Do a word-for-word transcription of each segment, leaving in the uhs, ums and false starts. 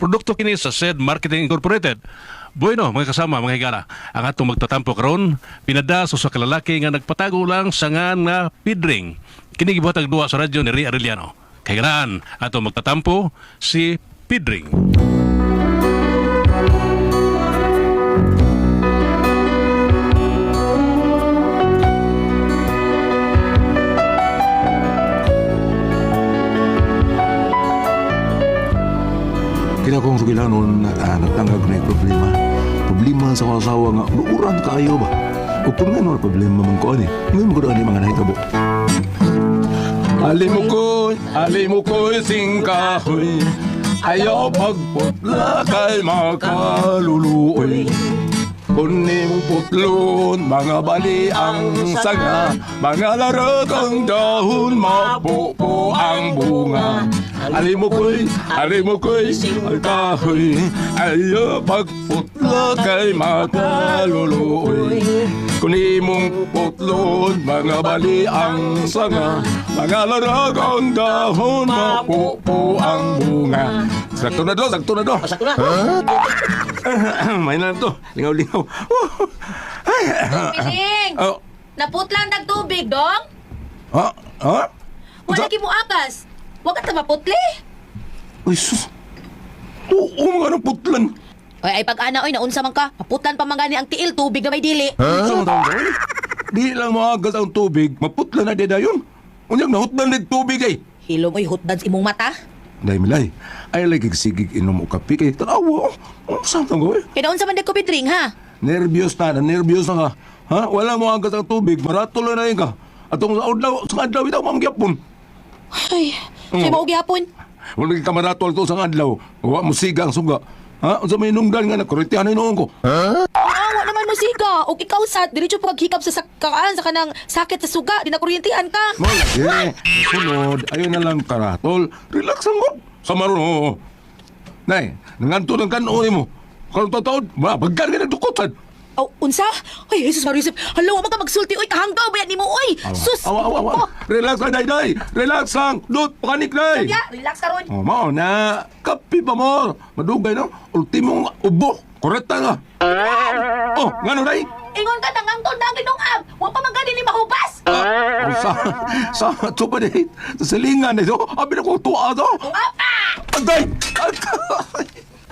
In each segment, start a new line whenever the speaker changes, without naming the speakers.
produkto kini sa S E D Marketing Incorporated. Bueno, mga kasama, mga higala, ang atong magtatampo karon pinadaso sa kalalaki nga nagpatago lang sa nga nga pidring. Kini gibuhatag duwa sa radyo ni Ria Arellano. Kay ganaan, atong magtatampo si Pidring.
Kaya kong sugilanon na ah, nagtanggap na yung problema. Problema sa kasawa nga, luuran kaayo ba? O kung nga naman problema man ko ani, ngayon mo ko doon mga nahitabo.
Ali mo ko'y, ali mo ko'y singkahoy, ayaw pagputla kay makaluluoy. Kuning putlon, mga bali ang sanga, mga larag ang dahon, mapupo ang bunga. Ali mo ko'y, ali mo ko'y singkahoy, ayaw pagputla kay makaluluoy. Kunin mong putlon, mga bali ang sanga, mga larag ang dahon, mapupo ang bunga. Sakto na do, sakto na do.
Sakto na.
May na to, lingaw-lingaw.
Piling!
Oh,
Naputlan tag tubig, dong?
ha? Ha?
Wala ki mo akas. Huwag ka maputli.
Uy, sus. Oo, mga nang putlan.
Ay, ay pag-ana, oy, naunsa man ka. Maputlan pa man gani ang tiil, tubig na may dili.
Sa mga taon ko, di lang maagas ang tubig, maputlan na deda yun. Unyang nahutlan ng tubig ay.
Hilom, oy, hutdan sa imong mata.
Dahil milay, ay lagi sigig inom o kape kay tanawa. Ano saan tang gawin?
Kaya naunsa man nagkupit ring, ha?
Nervyos na, na nervyos na ka. Ha? Wala mo agad ang tubig, maratol na rin ka. At kung sa adlaw, sa adlaw, itaw mamagyapon.
Ay, sa'yo mo gihapon.
Wala ka maratol to sa adlaw. Huwag mo siga ang suga. Ha? Sa may nungdan nga na, kuritihan na inoon ko.
Ah, wa naman mo siga. O ikaw sat, diretso paghikap sa sakaan sa kanang sakit sa suga. Di na kuryentihan ka.
Malagi. Sunod, ayun na lang karatol. Relax ang mo. Sa maroon. Nay, nanganto ng kanon mo. Karong tataod, mabagkan ka ng dukotan.
Oh, unsa? Ay, Jesus Marisip. Hala, wa man ka magsulti. Oy, kahanggaw ba yan ni mo, oy? Sus!
Awa, awa, awa. Relax lang, day, day. Relax lang. Dut, pakanik, day.
Ya, relax ka ron.
Oh, mao na. Kapi pa mo. Madugay, no? Ultimong ubo. Koreta nga. Oh, ngano, day?
Ingon ka tangang tol na ginungab. Wa pa man gani ni mahubas.
Oh, sa, sa, ito ba, day? Sa silingan, day. So, abi na ko tuwa, to.
Ungab pa!
Agay! Agay!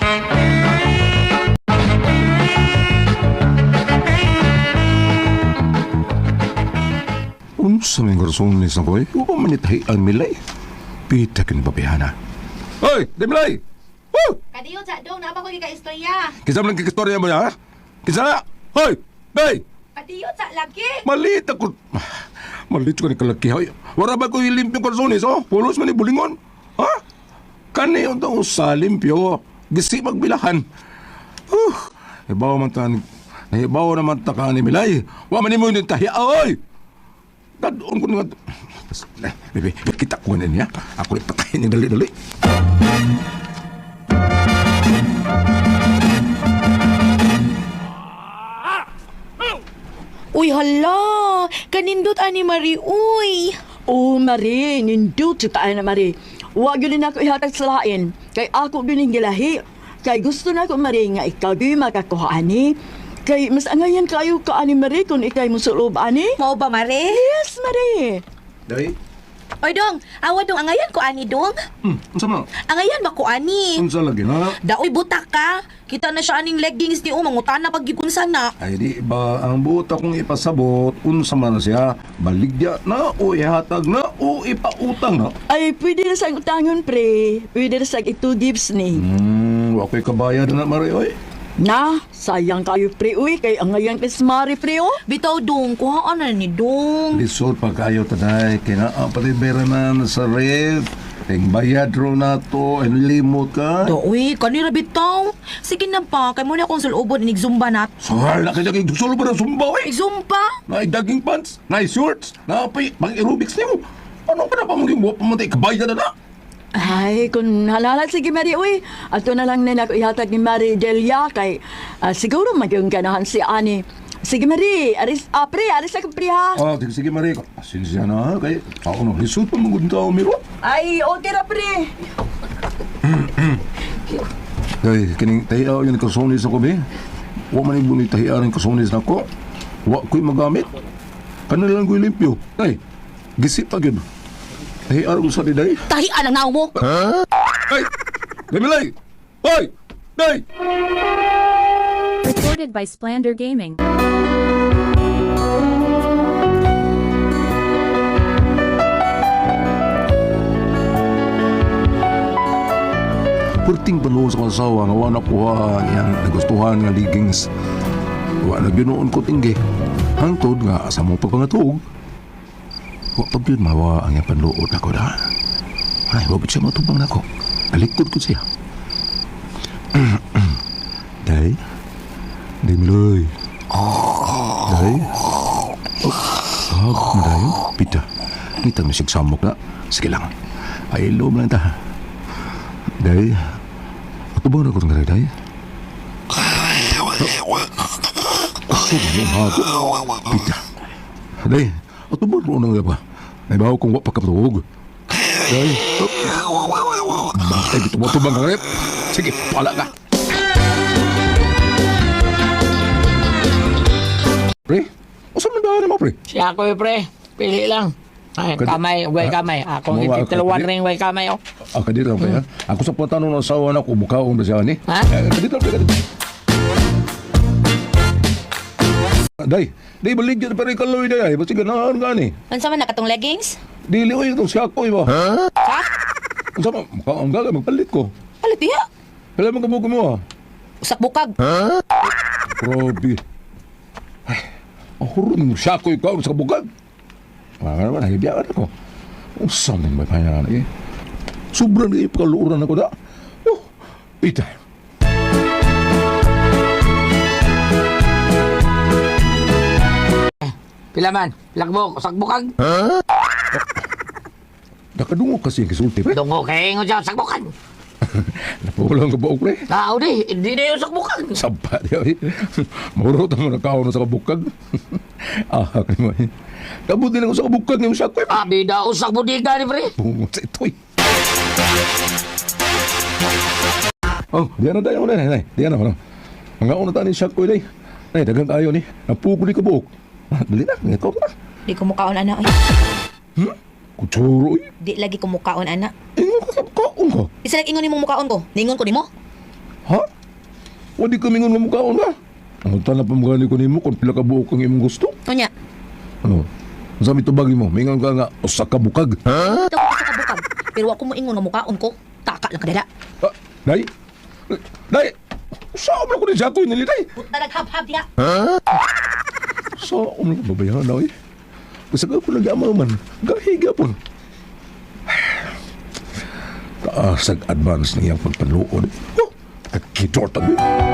Unsa may garsones na ko eh? Upa manitahi ang milay. Pita kin babihana. Hoy! Di milay! Woo!
Kadiyo sa dong na ba ko ka istorya?
Kisa mo lang kikistorya mo ya, ha? Kisa na! Hoy! Day!
Kadiyo sa lagi.
Malit ako. Malit ko ni kalaki. Hoy! Wala ba ko ilimpyo garsones, oh? Pulos man ni bulingon. Ha? Kani yung taong sa limpyo. Gisi magbilahan. Uh, ibaw man ta. Ibaw naman ta ka ni milay. Wa man ni mo yung tahiya. Oy! Dadoon ko nga. Eh, bebe, kita ko na niya. Ako ipatayin niya dali-dali.
Uy, hala! Kanindot ani Marie, uy!
Oh, Marie, nindot sa taan na Marie. Huwag yun na ako ihatag sa lain. Kay ako din gilahi. Kay gusto na ko, Marie, nga ikaw di makakuha ani. Kay mas angayan kayo ka ani Marie kung ikay mo sulob ani.
Mao ba, Marie?
Yes, Marie.
Day?
Oy, dong! Awa dong, angayan ko ani, dong!
Hmm, unsa mo?
Angayan ba ko ani?
Unsa lagi na?
Daoy butak ka! Kita na siya aning leggings ni Umang, utana paggikunsan na.
Ay di ba ang buta kong ipasabot, unsa man na siya, baligya na o ihatag na o ipautang na.
Ay, pwede na sang utangon, pre. Pwede na sang ito gives ni.
Hmm, wako'y kabayad na Marie, oy.
Na, sayang kayo, pre, uy. Kay angayan kay Mari, pre, oh.
Bitaw, dong, kuhaan na ni dong.
Lisod pa kayo taday, kina ang patiberanan sa ref, ting bayad ro na to, limot ka.
Daoy, kanira bitaw. Sige na pa, kay mo na akong sulubon, inig-zumba nat.
Sahal na kaya gusto ba ng sumba, oy?
Igzumba?
Na daging pants, na shorts, na pay, pang aerobics niyo. Ano ka na pa mong gibuwa pamatay, kabayad na na.
Ay, kung halala, sige, Mari, uy. Ato na lang na ako ihatag ni Mari Delia kay ah, siguro magyong ganahan si Ani. Sige, Mari. Aris, ah, pre, aris ako, pre, ha?
Ah, sige, sige, Marie. Sinsya na, ha? Kaya, ako no, lisod pa mong tao, miro.
Ay, okay ra, pre.
Day, kining tahiaw yung kasunis ako, be. Wa man yung bunit tahiaw yung kasunis na ko. Wa ko'y magamit. Kanalang ko'y limpyo. Day, gisip pa yun. Tahiaw ko sa di, day.
Tahian ang naong mo.
Ay! Damilay! Hoy! Day!
Recorded by Splander Gaming.
Purting panuho sa kasawa nga wala ko ha yang nagustuhan nga leggings. Wa na ginoon ko tinggi. Hangtod nga asa mo pagpangatuog. Wa pag yun mawa ang yung panluod ako na. Ay, wabit siya matubang na ako. Nalikod ko siya. Day? Day Miloy. Day? Oh, hag mo dayo? Pita. Ngitang nasigsamok na. Sige lang. Ay, loob lang ta. Day? Ako ba na ko ng day? Ako ba yung hago? Pita. Day, ako ba na unang ba? Naibaw kong wap pagkapatuog. Day? Ay, bito mo ito bang karep? Sige, pala ka. Pre? O saan nandahan mo, pre?
Siya ako eh, pre. Pili lang. Ay,
Kad-
kamay, way
Ah,
kamay. Akong
mawa-
ititalawan
kad-
ring way kamay, oh.
Ah, kadito lang, pre, ha? Ako sa patanong ng asawa na ko, bukaon ba siya, ni?
Ha?
Eh, kadito lang, pre, kadito. Day, day, baligyan pa rin kaloy, day. Basta ganahan ka, ni.
Unsa man nakatong leggings?
Dili ko itong siya ko, iba. Ha?
Ha?
Ang sama, mukhaon ka, magpalit ko.
Alit diha.
Kailan mo kabukin mo, ha?
Usak bukag.
Grabe. Ay, ang hurun mo siya ko ikaw sa kabukag. Mga naman, nahibiyaan ako. Ang saming may pahinga na eh. Sobrang na ipakaluuran ako na. Oh, ita.
Pila man, lagbok, sakbukag.
Nakadungo kasi yung kisulti, pre.
Dungo kay ingon siya, sakbukan.
Napulang ka ba, pre?
Tao di, hindi na yung sakbukan.
Saba niya, eh. Maurot ang mga nakaon sa kabukag. Ah, kaya mo eh. Kabuti lang ako sa kabukag ng siya ko, eh.
Ah, bida, usak mo di ka ni, pre.
Bungot sa ito, eh. Oh, diyan na tayo, nay, nay. Diyan na, ano. Mga una tayo ni siya ko, eh, nay. Nay, dagang tayo, ni. Napukuli ka buhok. Ah, dali na, ngito ka na.
Di ko mukaon ana. Ay.
Hmm? Kutsuro, eh.
Di lagi ko mukaon ana.
Ingon ka sa kaon ka.
Isa lang ingon nimong mukaon ko. Ningon ko nimo.
Ha? Wadi ka mingon mo mukhaon ka. Ang tanap pa mga ko nimo kung pila ka buhok ang imong gusto.
Unya.
Ano? Sa mitubagi mo, mingon ka nga, usa ka bukag. Ha?
Ito ko sa kabukag. Pero ako mo ingon nga mukaon ko. Taka lang kadala.
Ah, day? Day? Saan mo ko ni Jaco nili, day?
Puta naghab-hab diha.
Saan mo ko babayahan na, eh? Basta ka po nag-amaw man. Gahiga po. Taasag advance na iyang pagpanuod. Oh, kakidor tabi.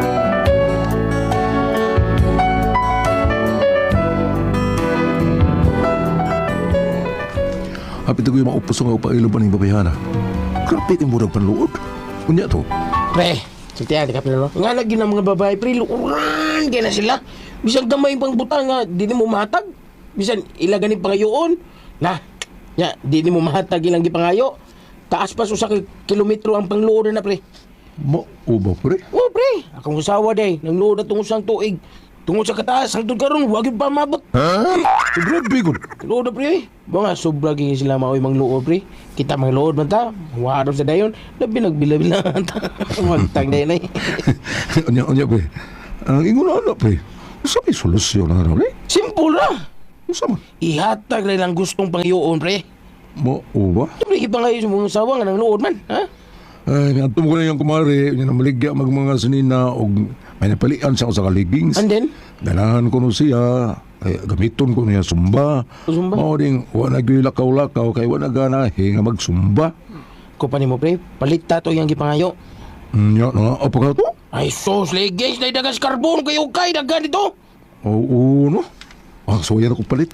Hapit ko yung maupos nga upailo pa ng babayana. Grabe yung murag panluod. Kunya to.
Pre, saktiyan, di ka pinalo. Nga lagi ng mga babae, pre, lukuran, kaya na sila. Bisan gamay pang butang nga, di ni mo mahatag. Bisan ilagani pangayoon. Na, ya, di ni mo mahatag ilang gipangayo. Taas pa sa kilometro ang pangluod na, pre.
Mauba, pre.
Oh, pre, akong usawa day, nang luod na tungod sang tuig. Tungod sa kataas, hangtod karon, wag yung pamabot.
Ha? Grabe ko.
Luod na, pre. Mga sobra gini sila maoy mang luod, pre. Kita mang luod man ta. Warap sa dayon, labi nagbila-bila ta. Magtang day nay.
Anya, anya, pre. Ang ingon na anak, pre. Sa may solusyon na rin, pre.
Simple ra.
Sa man?
Ihatag rin ang gustong pangyoon, pre.
Mauba?
Pre, ipangayo sa mga usawa nga nang luod man, ha?
Ay, natum ko na yung kumari. Yan ang maligya mag mga sinina o may napalian siya sa kaligings.
And then?
Ganahan ko no siya. Ay, gamiton ko niya sumba.
Sumba?
Mao ding, wala nagwilakaw-lakaw kay wala ganahe nga magsumba.
Kupani mo, pre. Palit tato yung gipangayo.
Nya, na, apa ka to?
Ay, sos, legis, na dagas karbon kayo kay dagan dito.
Oo, no? Ah, so yan ako palit.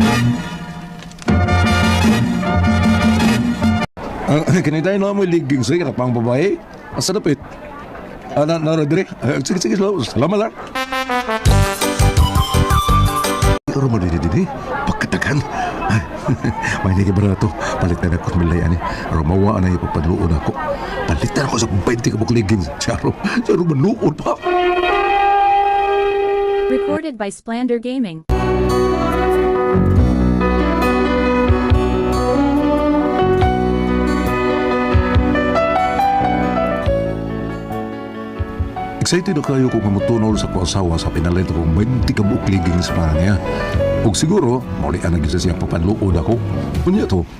Ah, kinitay na mo yung leggings rin, pang babae. Asa napit? Ah, na, na, dire. Ah, sige, sige, salamat lang. Pero mo didi, didi, pagkatagal kan. May hindi ba na ito? Palitan ako sa milayan eh. Pero mawaan na ipagpadluon ako. Palitan ako sa twenty kabuk leggings. Charo, charo manuod pa.
Recorded by Splander Gaming.
Excited na kayo kung mamutunol sa ko asawa sa pinalit kong twenty kabuk leggings para niya. Ug siguro, muli ang nagisa siyang papanluod ako. Kunya to.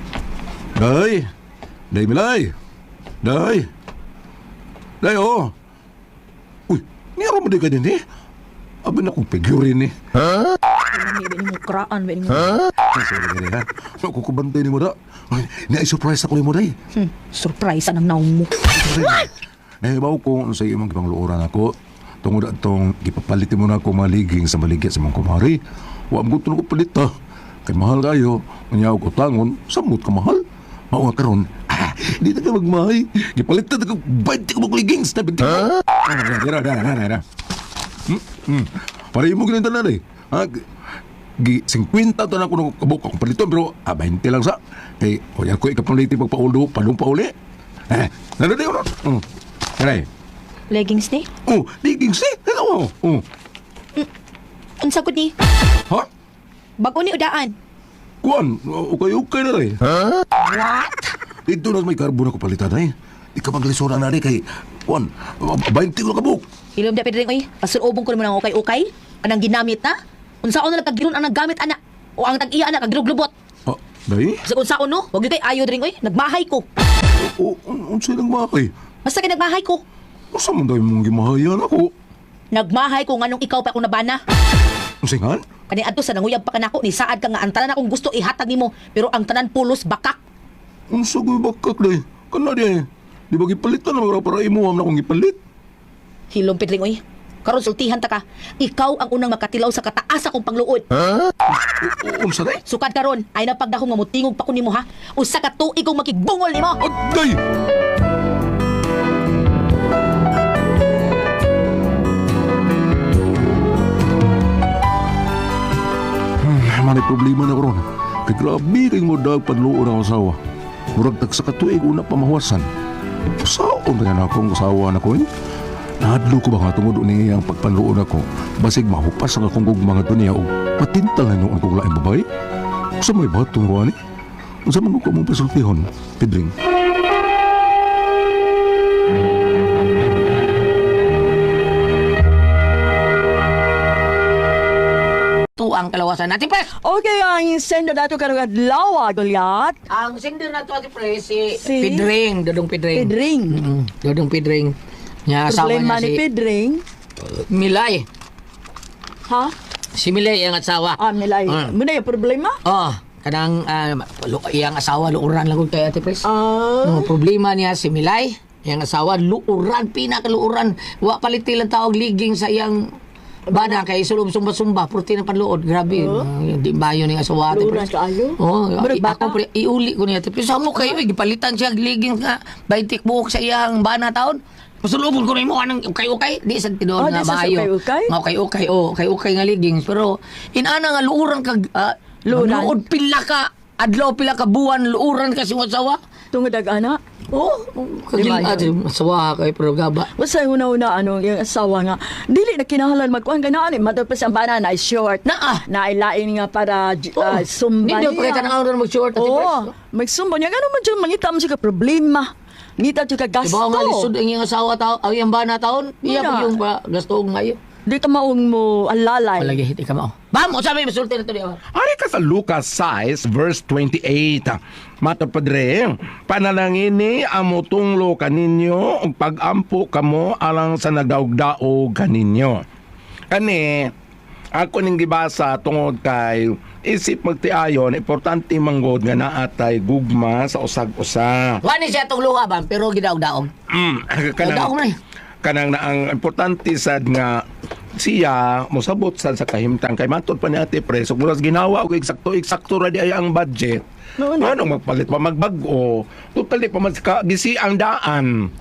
Day! Day, Milay! Day! Day, oh! Uy, niyaro mo di ka din eh. Abin akong figurin eh.
May ba mo kraan, ba mo?
Ay, sorry ka rin ha. Nakukubantay ni mo da. Ay, na-surprise ako ni mo day.
Hmm, surprise anang naong mo.
Nahibaw ko sa iyo mong gipangluoran ako. Tungod atong gipapalitin mo na ako maliging sa maligya sa mong kumari. Wa mo gusto na ko palit ha. Kay mahal kayo, manyaw ko tangon, samot ka mahal. Mao nga karon, ah, di na ka magmahay. Gipalitan ako twenty ko maliging sa binti. Ha? Dara, dara, dara, dara. Hmm? Hmm. Para mo ginita na eh. Ha? Gi fifty to na ko nung kabuk akong paliton pero ah, twenty lang sa. Kay o yan ko ikapauliti pagpaulo, palong pauli. Eh, nalo di ko. Hmm. Aray.
Leggings ni?
Oh, leggings eh. Ano? Oh.
Unsa gud ni?
Ha?
Bago ni udaan.
Kuan, ukay-ukay na rin. Ha? What? Dito na may karbon ako palitan eh. Di ka maglisura na rin kay, Kuan, twenty ko kabuk.
Hilom da pedring oy. Pasulubong ko nimo nang okay-okay. Anang ginamit na? Unsaon na nagkagiron ang naggamit ana? O ang tag-iya ana kagiruglubot?
Ah, dahi?
Sa unsaon no? Wag gyud kay ayo dring oy. Nagmahay ko.
O, unsa nang makay?
Basta kay nagmahay ko.
Asa man dahi mong gimahayan ako?
Nagmahay ko nganong ikaw pa akong nabana.
Unsa nga?
Kani adto sa nanguyab pa kanako ni saad ka nga ang tanan akong gusto ihatag nimo pero ang tanan pulos bakak.
Unsa ko'y bakak dahi? Kana di Di ba gipalitan na mga para imuham na akong gipalit?
Hilom pedring oy. Karon sultihan ta ka. Ikaw ang unang makatilaw sa kataas akong pangluod.
O, unsa dahi?
Sukad karon ay napagdahong mamutingog pa ko nimo ha. Usa ka tuig kong makigbungol nimo.
Aday! Hmm, may problema na karon. Kay grabe kay mo dag panluon ang asawa. Murag tag sa katuig una pamahawasan. Saon ba yan akong asawa na ko eh? Nahadlo ko ba nga tungod ni ang pagpanluon ako? Basig mahupas ang akong gugmang ito niya o patintalan yung akong laing babae? Sa may batong ruwan eh? Sa man ko mong pasultihon, Pedring?
Ito ang kalawasan natin, pre.
Okay, ang sendo dato karong adlaw, Goliath.
Ang sender na ito, pre, si,
Si?
Pidring, Dodong Pidring.
Pedring.
Mm, Dodong Pidring. Niya, asawa
Problema
niya
ni
si
Pedring.
Milay.
Ha?
Si Milay ang asawa.
Ah, Milay.
Mm.
Muna yung problema?
Oh, kanang uh, iyang asawa, luuran lang kay Ate Pres.
Ah.
Ang problema niya si Milay, iyang asawa, luuran, pinakaluuran. Wa paliti lang tawag liging sa iyang bana kay sulub sumba-sumba, purti ng panluod. Grabe.
Oh.
Uh, di bayo ni asawa Ate
Luuran
Pres.
kaayo?
Oh,
Murag
i-
bata?
ako pre, iuli ko niya. Pero sa mo kayo, eh, gipalitan siya liging nga, baitik buhok sa iyang bana taon. Pasulubon ko rin mo anang ukay-ukay. Di sa tinuod
Ah,
nga
di sa
maayo.
ukay-ukay?
Nga ukay-ukay, oh, ukay-ukay nga ligings. Pero, inana nga luuran kag, uh,
Luuran?
luod pila ka, adlaw pila ka buwan, luuran ka si asawa.
Tungod ag ana.
Oh,
Di
kagil,
ba
ah,
yun?
asawa kay pero gaba.
Basta yung una-una, ano, yung asawa nga, dili na kinahanglan magkuhan ka na, ano, matapos ang bana na ay short.
Na, ah.
Na ay lain nga para
Oh,
uh, sumba
Hindi daw pakita na nga mag-short at
Oo, magsumba niya. Gano'n man siya, mangita mo siya ka problema. Ngita siya ka gasto.
Diba nga lisod ang iyong asawa taon, ang iyong bana taon, iya
Wala.
po yung uh, gasto ngayon.
Di ka maong mo alalay.
Palagi, hindi ka mao. Bam, o sabi, masulti na ito di.
Ari ka sa Lucas six, verse twenty-eight. Mata padre, panalangin ni amo tunglo kaninyo, ug pag-ampo kamo alang sa nagdaog-daog kaninyo. Kani, ako ning gibasa tungod kay isip magtiayon, importante manggod nga naatay gugma sa usag-usa.
Wani siya itong luha ba, pero gidaog-daog.
Mm,
Daog na eh.
kanang na ang importante sad nga siya mosabot sad sa kahimtang kay matod pa ni Ate Pres ug muras ginawa og eksakto eksakto ra di ay ang budget.
No, no.
Ano magpalit pa magbag-o. Totally pa man ka gisi ang daan.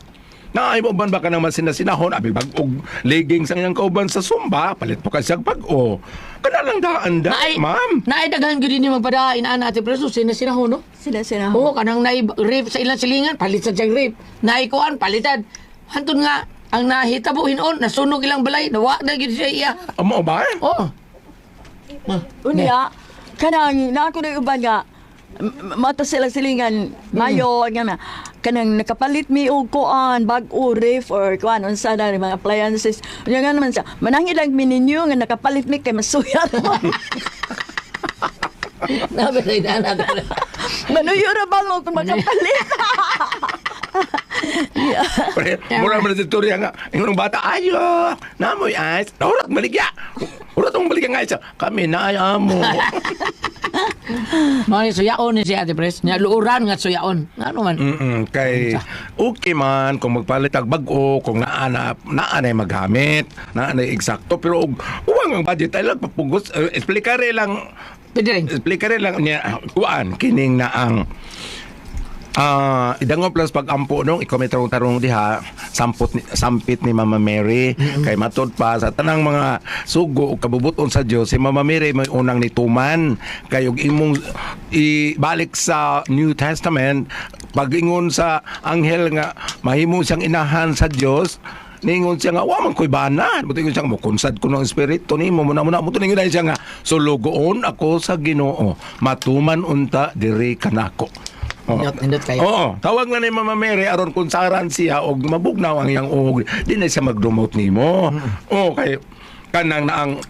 Naay mo ban ba ka naman sinasinahon, abi bag-og leggings ang iyang kauban sa sumba, palit po ka siyang pag-o. Kana lang daan da,
Naay,
ma'am.
naay daghan gyud ni magpadain ana ate preso sina sina ho no.
Sila sila.
Oo, kanang naay rape sa ilang silingan, palit sa siyang rape. Naay kuan, palitan. Hantun nga, ang nahitabo hinon, nasunog ilang balay, nawa na gyud siya iya.
Amo ba?
Oo.
Unya, kanang na ako na uban nga, m- mata sila silingan, mayo, nga na, kanang nakapalit mi og kuan, bag-o, ref, or kuan, unsa na mga appliances. Unya nga naman siya, manang ilang mininyo nga nakapalit mi kay masuya.
Nabi sa inana.
Manuyo na ba mo kung makapalit?
Pre, mura man sa istorya nga. Yung bata, ayo, namoy ayos. Naurat maligya. Urat ang maligya nga isa. Kami na mo.
Mga suyaon ni si ate pres. Nya luuran nga suyaon. Ano man.
Mm kay okay man kung magpalit ang bag-o, kung naana naanay maghamit, naanay eksakto, pero ug uwang ang budget ay lang papugos. Uh, explikare lang,
Pwede rin.
explikare lang niya kuan kining na ang Ah, idangop plus pag-ampo nung ikaw may tarong-tarong diha sampot ni, sampit ni Mama Mary kay matod pa sa tanang mga sugo ug kabubuton sa Dios si Mama Mary may unang nituman kay ug imong ibalik sa New Testament pag-ingon sa anghel nga mahimo siyang inahan sa Dios ningon siya nga wa man koy bana buti ko siya mo konsad ko ng espiritu nimo muna muna mo tuningon siya nga sulugoon ako sa Ginoo matuman unta diri kanako.
Nindot, nindot kayo.
Oo, tawag na ni Mama Mary aron kung saran siya og mabugnaw ang iyang uhog, di na siya magdumot nimo. Oo, kay kanang na ang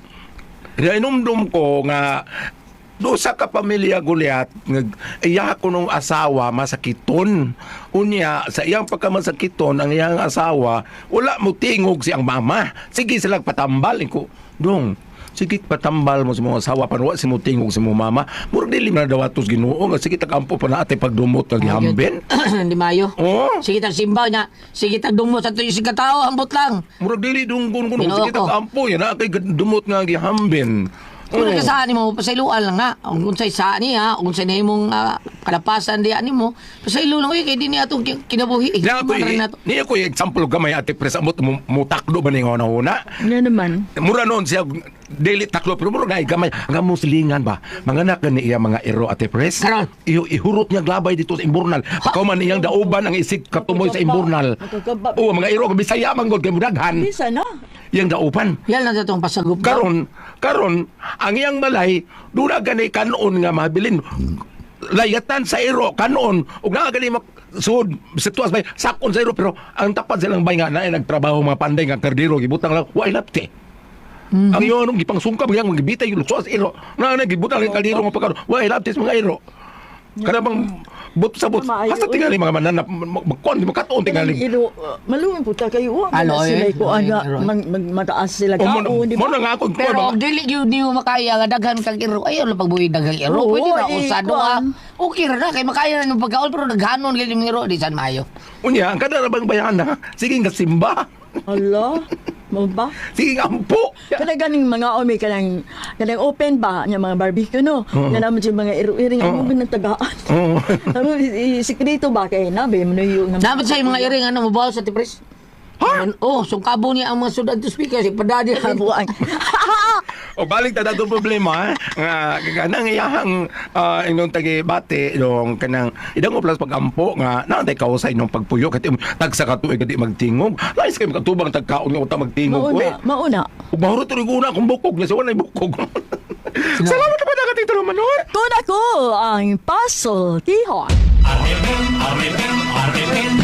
inumdum ko nga do sa ka pamilya Gulyat ngag iya ko nung asawa masakiton unya sa iyang pagkamasakiton ang iyang asawa wala mo tingog siyang mama sige sila patambal ko dong sige patambal mo sa mga asawa panwa si mo tingog sa mo mama murag dili na dawatos Ginoo nga sige tagampo pa na ate pagdumot kag hambin.
Di mayo.
Oo.
Sige tag simbaw niya. Sige tag dumot sa tuyo si katao ambot lang.
Murag dili dunggon kuno
Ginoo
sige
ko.
tagampo yan na kay dumot nga gihambin.
Kung ka saan mo, pasailuan lang nga. Kung sa'y saan niya, kung sa'y na mong uh, kalapasan diyan ni mo, pasailu lang, uy, kaya di niya itong kinabuhi. Eh,
Niya ko
Maran na to.
niya ko example gamay ate pres amot mo mo takdo ba ning una una.
Nga naman.
Mura noon siya daily taklo pero mura na gamay nga muslingan ba mga anak ni iya mga ero ate pres.
Karon.
Iyo ihurot niya glabay dito sa imburnal. Pagkaw man iyang dauban ang isig katumoy sa imburnal.
Magkakaba-
Oo mga ero Bisaya man gud kay mudaghan.
Bisa na.
Iyang dauban.
Yan lang itong pasagup.
Karon, karon ang iyang balay dura gani kanon nga mabilin. Layatan sa iro kanon ug naa gani mak sud sitwas bay sakon sa iro pero ang tapad silang bay nga na nagtrabaho mga panday nga kardiro gibutang lang wa ilapte.
Mm-hmm.
Ang iyon nung gipangsungka yang magibitay yung lukso sa iro. Na na gibutang lang kardiro nga pagkaro wa ilapte sa mga iro. Kada bang but sa but
Maayo,
hasta tingali mga mananap magkon di makatuon tingali.
Ilo, uh, maluwin po ta kayo. Wa
Ano,
na sila
eh?
ko ano,
Ano, eh?
mag- mag- mataas sila
O mo
kaon, di
mo
ba?
na nga ako
Pero
mga
kung dili yun di mo makaya nga daghan kang iro, ayaw lang pagbuhi daghang iro.
Oo,
Pwede na
eh,
usado ha.
kuwan.
Okay ra na, kay makaya na ng pagkaon, pero naghanon gili ng iro, di saan mayo.
unya ang kada ra bang bayana sige nga simba.
Hala, mo ba?
Sige nga ampo.
Kada ganing mga omi kanang kanang open ba nya mga barbecue no. Nga naman yung mga iro-iro nga mo binatagaan.
Oo.
Ano i- sikreto ba kay nabe mo yung
Dapat sa mga iring ano mabaw sa tipres. Ha? Oh, sungkabo niya ang mga sudad to speaker, si padadi.
buwan.
O balik ta dato problema nga kanang iyahang uh, inong tagi bate dong kanang idang plus pagampo nga naantay kausay nung pagpuyo kati tagsa ka tuig kadi magtingog lais kay makatubang tagkaon nga uta magtingog we
Mauna, mauna.
ug mahurot rig una kung bukog na sa wala bukog. Salamat pa dagat ito manor.
Kun ako ang puzzle tihon.
R M M, R M M, R M M